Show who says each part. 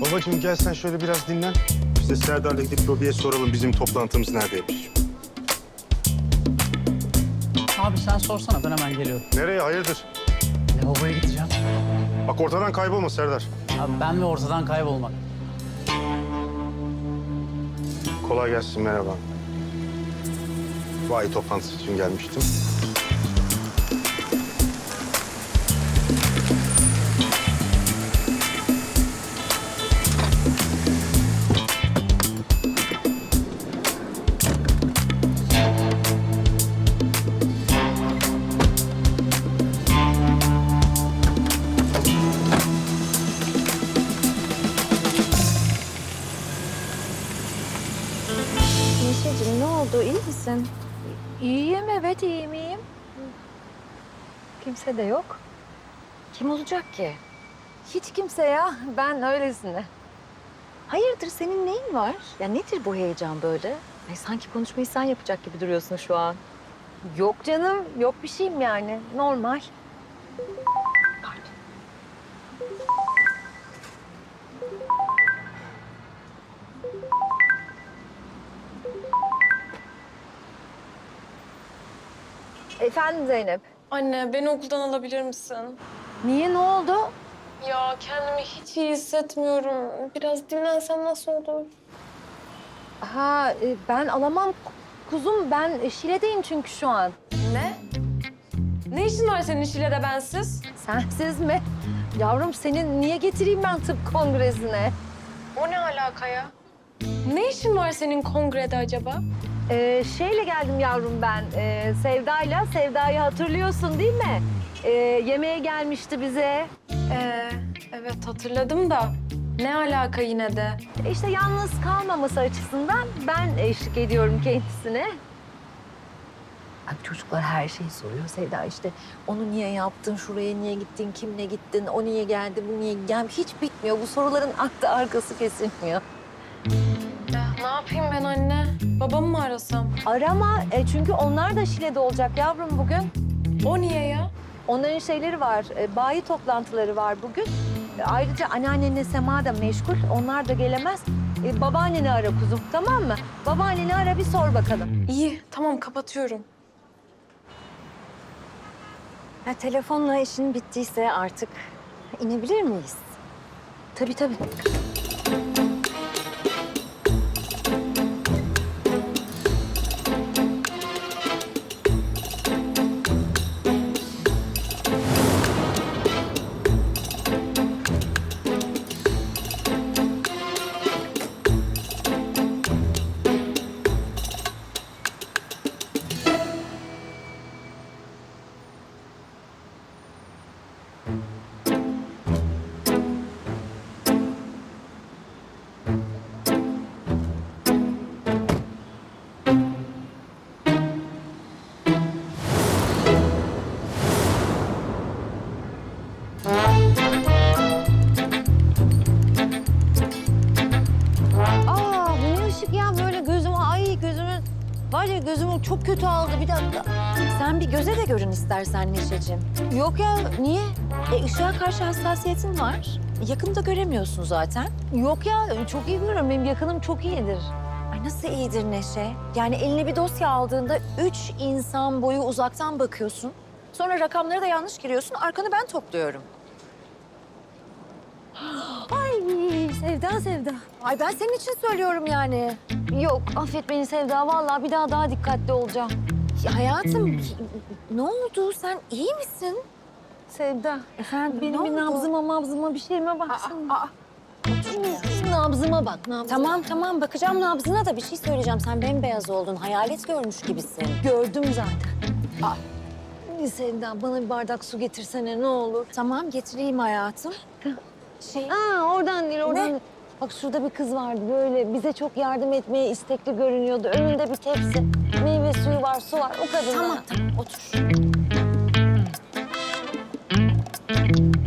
Speaker 1: Babacığım gel sen şöyle biraz dinlen. Biz de Serdar'la gidip lobiye soralım bizim toplantımız neredeymiş.
Speaker 2: Abi sen sorsana, ben hemen geliyorum.
Speaker 1: Nereye hayırdır?
Speaker 2: Lavaboya gideceğim.
Speaker 1: Bak ortadan kaybolma Serdar.
Speaker 2: Abi ben ve ortadan kaybolmak.
Speaker 1: Kolay gelsin, merhaba. Vay toplantısı için gelmiştim.
Speaker 3: Neşeciğim ne oldu? İyi misin?
Speaker 4: İyiyim, evet iyiyim. Kimse de yok.
Speaker 3: Kim olacak ki?
Speaker 4: Hiç kimse ya, ben öylesine.
Speaker 3: Hayırdır senin neyin var? Ya nedir bu heyecan böyle? Ay, sanki konuşmayı sen yapacak gibi duruyorsun şu an.
Speaker 4: Yok canım, yok bir şeyim yani. Normal. Efendim Zeynep.
Speaker 5: Anne, beni okuldan alabilir misin?
Speaker 4: Niye, ne oldu?
Speaker 5: Ya kendimi hiç iyi hissetmiyorum. Biraz dinlensem nasıl olur?
Speaker 4: Ben alamam kuzum. Ben Şile'deyim çünkü şu an.
Speaker 5: Ne? Ne işin var senin Şile'de bensiz?
Speaker 4: Sensiz mi? Yavrum senin niye getireyim ben tıp kongresine?
Speaker 5: O ne alaka ya? Ne işin var senin kongrede acaba?
Speaker 4: Şeyle geldim yavrum ben. Sevda'yla. Sevda'yı hatırlıyorsun değil mi? Yemeğe gelmişti bize.
Speaker 5: Evet hatırladım da ne alaka yine de?
Speaker 4: İşte yalnız kalmaması açısından ben eşlik ediyorum kendisine.
Speaker 3: Bak çocuklar her şeyi soruyor Sevda işte. Onu niye yaptın, şuraya niye gittin, kimle gittin, o niye geldi, bu niye geldi. Hiç bitmiyor. Bu soruların ardı arkası kesilmiyor.
Speaker 5: Ne yapayım ben anne? Babamı mı arasam?
Speaker 4: Arama çünkü onlar da Şile'de olacak yavrum bugün.
Speaker 5: O niye ya?
Speaker 4: Onların şeyleri var, bayi toplantıları var bugün. Ayrıca anneannenle Sema da meşgul, onlar da gelemez. Babaanneni ara kuzum, tamam mı? Babaanneni ara bir sor bakalım.
Speaker 5: İyi tamam kapatıyorum.
Speaker 3: Ya, telefonla işin bittiyse artık inebilir miyiz?
Speaker 4: Tabii tabii. Bu ne ışık ya böyle gözüme, ay gözümün... Var ya gözümü çok kötü aldı, bir dakika.
Speaker 3: Sen bir göze de görün istersen Neşeciğim.
Speaker 4: Yok ya, niye?
Speaker 3: Işığa karşı hassasiyetin var. Yakında göremiyorsun zaten.
Speaker 4: Yok ya, çok iyi görüyorum. Benim yakınım çok iyidir.
Speaker 3: Ay nasıl iyidir Neşe? Yani eline bir dosya aldığında 3 insan boyu uzaktan bakıyorsun. Sonra rakamları da yanlış giriyorsun. Arkanı ben topluyorum.
Speaker 4: Ay Sevda, Sevda.
Speaker 3: Ay ben senin için söylüyorum yani.
Speaker 4: Yok, affet beni Sevda. Vallahi bir daha dikkatli olacağım.
Speaker 3: Ya hayatım ne oldu? Sen iyi misin?
Speaker 4: Sevda,
Speaker 3: Efendim
Speaker 4: benim bir nabzıma bir şeyime baksana. Nabzıma bak, nabzıma.
Speaker 3: Tamam bakacağım nabzına da bir şey söyleyeceğim. Sen bembeyaz oldun. Hayalet görmüş gibisin.
Speaker 4: Gördüm zaten. Sevda, bana bir bardak su getirsene ne olur.
Speaker 3: Tamam getireyim hayatım.
Speaker 4: Oradan değil, oradan
Speaker 3: Ne?
Speaker 4: değil. Bak şurada bir kız vardı böyle bize çok yardım etmeye istekli görünüyordu. Önünde bir tepsi, meyve suyu var, su var. O kadın.
Speaker 3: Tamam otur.